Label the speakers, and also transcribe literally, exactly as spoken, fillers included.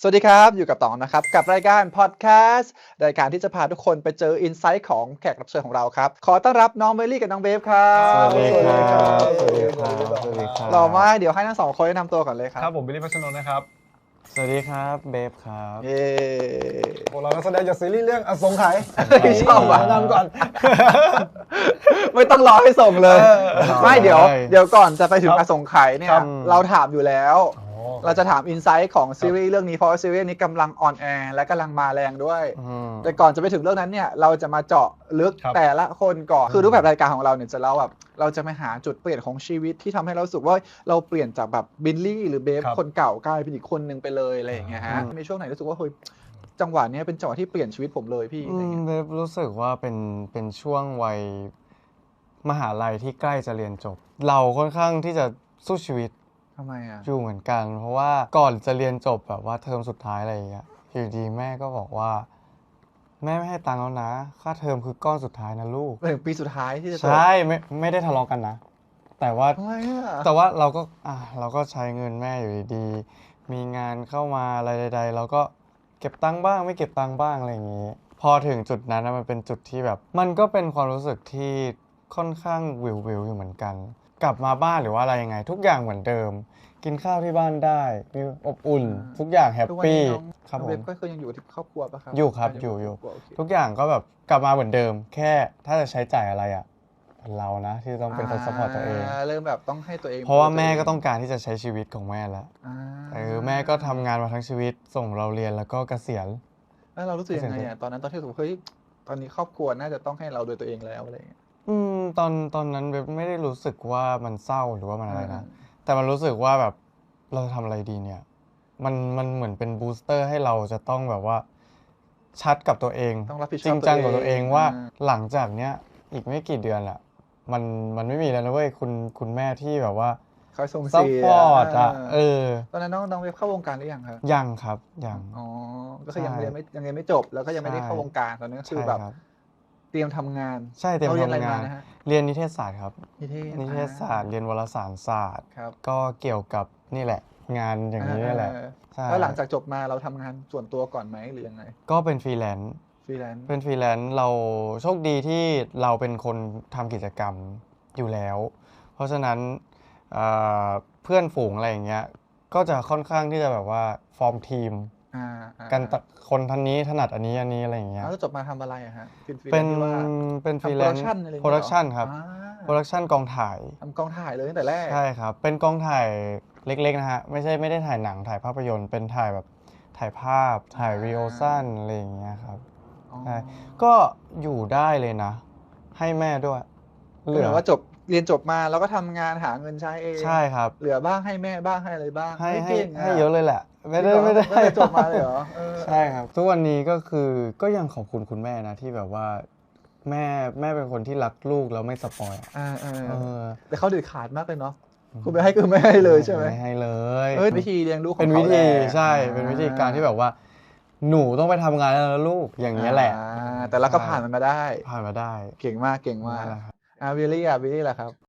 Speaker 1: สวัสดีครับอยู่กับต๋องนะครับกับรายการพอดแคสต์รายการที่จะพาทุกคนไปเจออินไซต์ของแขกรับเชิญของเราครับขอต้อนรับน้องเบลลี่กับน้องเบฟครับ
Speaker 2: สวัสดีครับ
Speaker 1: สวัสดีค
Speaker 2: สวั
Speaker 1: รั
Speaker 2: สดีครับสวัสดีครับ
Speaker 1: หล่อมากเดี๋ยวให้ทั้งสองคนแนะนำตัวก่อนเลยครั
Speaker 3: ครับ บผมบิลลี่พัชรนนท์นะครับ
Speaker 2: สวัสดีครับเบฟครับ
Speaker 1: เย้
Speaker 3: พวกเรานักแสดงจากซีรีส์เรื่องอสงไขย
Speaker 1: ชอบว่ะ
Speaker 3: แนะนำก่อน
Speaker 1: ไม่ต้องรอให้ส่งเลย ไม่เดี๋ยว
Speaker 2: ได้
Speaker 1: เดี๋ยวก่อนจะไปถึง
Speaker 3: ค
Speaker 1: อ
Speaker 3: รับ
Speaker 1: สงไขยเนี่ย
Speaker 2: ครับ
Speaker 1: เราถามอยู่แล้ว
Speaker 3: อ๋อ
Speaker 1: เราจะถามอินไซต์ของซีรีส์เรื่องนี้เพราะว่าซีรีส์นี้กำลังออนแอร์และกำลังมาแรงด้วย
Speaker 2: อืม
Speaker 1: แต่ก่อนจะไปถึงเรื่องนั้นเนี่ยเราจะมาเจาะลึก
Speaker 3: ครับ
Speaker 1: แต่ละคนก่อนคือรูปแบบรายการของเราเนี่ยจะเล่าแบบเราจะมาหาจุดเปลี่ยนของชีวิตที่ทำให้เรารู้สึกว่าเราเปลี่ยนจากแบบบิลลี่หรือเบฟ
Speaker 3: ครับ
Speaker 1: คนเก่ากลายเป็นอีกคนนึงไปเลยอะไรอย่างเงี้ยฮะ
Speaker 2: อืม
Speaker 1: มีช่วงไหนรู้สึกว่าเฮ้ยจังหวะเนี้ยเป็นจังหวะที่เปลี่ยนชีวิตผมเลยพี่อะไร
Speaker 2: อื
Speaker 1: อย่าง
Speaker 2: ม
Speaker 1: เงี้ย
Speaker 2: เบฟรู้สึกว่าเป็นเป็นช่วงวัยมหาลัยที่ใกล้จะเรียนจบ เราค่อนข้างที่จะสู้ชีวิต
Speaker 1: ทำไมอ่ะ
Speaker 2: อยู่เหมือนกัน เพราะว่าก่อนจะเรียนจบแบบว่าเทอมสุดท้ายอะไรอย่างเงี้ยอยู่ดีแม่ก็บอกว่า แม่ไม่ให้ตังค์แล้วนะ ค่าเทอมคือก้อนสุดท้ายนะลูก
Speaker 1: ไปถึงปีสุดท้ายที่จะจบ
Speaker 2: ใช่ไม่ไม่ได้ทะเลาะกันนะ แต่ว่า
Speaker 1: ทำไมอ่ะ
Speaker 2: แต่ว่าเราก็อ่ะเราก็ใช้เงินแม่อยู่ดีๆ มีงานเข้ามาอะไรใดๆเราก็เก็บตังค์บ้างไม่เก็บตังค์บ้างอะไรอย่างนี้ พอถึงจุดนั้นนะมันเป็นจุดที่แบบ มันก็เป็นความรู้สึกที่ค่อนข้างวิววิวอยู่เหมือนกัน กลับมาบ้านหรือว่าอะไรยังไง ทุกอย่างเหมือนเดิม กินข้าวที่บ้านได้มีอบอุ่น ทุกอย่างแฮป
Speaker 1: ทุกวัน
Speaker 2: ปี้
Speaker 1: นี้น้อง
Speaker 2: ครับ
Speaker 1: น้อง
Speaker 2: ผ
Speaker 1: เบ
Speaker 2: ม
Speaker 1: ฟก็คือยังอยู่ที่ครอบครัวปะครับ
Speaker 2: อยู่ครับอยู่อยู่
Speaker 1: ครบครัวโเค
Speaker 2: ทุกอย่างก็แบบกลับมาเหมือนเดิม แค่ถ้าจะใช้จ่ายอะไรอ่ะเรานะที่ต้องเป็นคนซัพพอร์ตตัวเอง
Speaker 1: าเริ่มแบบต้องให้ตัวเอง
Speaker 2: เพราะว่าแม่ก็ต้องการที่จะใช้ชีวิตของแม่แล้ว
Speaker 1: อ่า
Speaker 2: เออแม่ก็ทำงานมาทั้งชีวิตส่งเราเรียนแล้วก็เกษียณ
Speaker 1: แล้วเรารู้สึกยังไงอ่ะตอนนั้นตอนที่รู้สึกว่าเฮ้ยตอนนี้ครอบครัวน่าจะต้องให้เราโดยตัวเองแล้วอะไรอย่างเงี้ย
Speaker 2: อืมตอนตอนนั้นเว็บไม่ได้รู้สึกว่ามันเศร้าหรือว่ามันอะไรนะ
Speaker 1: อ่า
Speaker 2: แต่มันรู้สึกว่าแบบเราจะทำอะไรดีเนี่ย มันมันเหมือนเป็นบูสเตอร์ให้เราจะต้องแบบว่า ชัดกับตัวเอง
Speaker 1: ต้องรับผิดชอบ
Speaker 2: จริงจังกับตัวเองว่า
Speaker 1: อ่า
Speaker 2: หลังจากเนี้ยอีกไม่กี่เดือนแหละมันมันไม่มีแล้วนะเว้ยคุณคุณแม่ที่แบบว่า
Speaker 1: คอยส่ง
Speaker 2: ซัพ
Speaker 1: เสีย
Speaker 2: พอร์ตอ่ะเออ
Speaker 1: ตอนนั้นน้องน้องเว็บเข้าวงการหรือยังครับ
Speaker 2: ยังครับยัง
Speaker 1: อ๋อ ก็คือยัง
Speaker 2: ใช่
Speaker 1: เรียนไม่ยังเรียนไม่จบ แล้วก็ยังไม่ได้
Speaker 2: ใช่
Speaker 1: เข้าวงการตอนนั้นก็คือ
Speaker 2: ใช่
Speaker 1: แบบ
Speaker 2: ครับ
Speaker 1: เตรียมทำงาน
Speaker 2: ใช่เตรียม
Speaker 1: ราเรียนอะไร
Speaker 2: ทำงาม
Speaker 1: าน นะฮะ
Speaker 2: เรียนนิเทศศาสตร์ครับ
Speaker 1: นิเทศ
Speaker 2: นิเทศศาสตร์เรียนวารสารศาสตร์
Speaker 1: ครับ
Speaker 2: ก็เกี่ยวกับนี่แหละ งานอย่างนี้นี่แหละ
Speaker 1: อ่า
Speaker 2: ใช่
Speaker 1: แล้วหลังจากจบมาเราทำงานส่วนตัวก่อนไหมหรือยังไง
Speaker 2: ก็เป็นฟรีแลนซ์
Speaker 1: ฟรีแลนซ์
Speaker 2: เป็นฟรีแลนซ์เราโชคดีที่เราเป็นคนทำกิจกรรมอยู่แล้ว เพราะฉะนั้นเอ่อเพื่อนฝูงอะไรอย่างเงี้ยก็จะค่อนข้างที่จะแบบว่าฟอร์มทีม
Speaker 1: อ่าอ่า
Speaker 2: กันตะคนทันนี้ถนัดอันนี้อันนี้อะไรอย่างเงี้ย
Speaker 1: แล้วจบมาทำอะไรอะฮะเป็นฟรีแล
Speaker 2: เป็น
Speaker 1: ซ์ที่ว่า
Speaker 2: เป็นฟรี
Speaker 1: ทำ
Speaker 2: แล
Speaker 1: โปร
Speaker 2: น
Speaker 1: ดัก
Speaker 2: ซ์
Speaker 1: ชั่นอะไรอย่าง
Speaker 2: โปร
Speaker 1: เงี้ย
Speaker 2: ดักชันครับ
Speaker 1: อ่า
Speaker 2: โปรดักชันกองถ่าย
Speaker 1: ทำกองถ่ายเลยตั้งแต่แรก
Speaker 2: ใช่ครับ เป็นกองถ่ายเล็กๆนะฮะ ไม่ใช่ไม่ได้ถ่ายหนังถ่ายภาพยนตร์ เป็นถ่ายแบบถ่ายภาพ ถ่ายรีโอสั้นอะไรอย่างเงี้ยครับ
Speaker 1: อ๋อ
Speaker 2: ใช่ ก็อยู่ได้เลยนะ ให้แม่ด้วย
Speaker 1: เหลือว่าจบเรียนจบมาแล้วก็ทำงานหาเงินใช้เอง
Speaker 2: ใช่ครับ
Speaker 1: เหลือบ้างให้แม่บ้างให้อะไรบ้าง
Speaker 2: ให้
Speaker 1: ฮ้
Speaker 2: ให้
Speaker 1: ก่ง
Speaker 2: ให้เยอะเลยแหละ ไม่ได้
Speaker 1: จริงเหรอ
Speaker 2: ไม่ได้
Speaker 1: ตั้งแต่จบมาเลยเหรอเออ
Speaker 2: ใช่ครับ ทุกวันนี้ก็คือก็ยังขอบคุณคุณแม่นะที่แบบว่า แม่แม่เป็นคนที่รักลูกแล้วไม่สปอยอะ
Speaker 1: อ่าเออ
Speaker 2: เออ
Speaker 1: แต่เขาเด็ดขาดมากเลยเนาะคุณไปให้คือไม่ให้เลยใช่ไหม
Speaker 2: ไม่ให้เลย
Speaker 1: เอ้ยวิธีเลี้ยงลูกของ
Speaker 2: เป็น
Speaker 1: เขา
Speaker 2: วิธี
Speaker 1: แหละ
Speaker 2: ใช่ เป็นวิธีการที่แบบว่า หนูต้องไปทำงานแล้วนะลูกอย่างเงี้ยแหละ
Speaker 1: อ่าแต่เราก็ผ่านมันมาได้
Speaker 2: ผ่านมาได้
Speaker 1: เก่งมากเก่งมาก
Speaker 2: นั่นแหละครับ
Speaker 1: อ่าวิลลี่อ่ะวิลลี่แหละครับ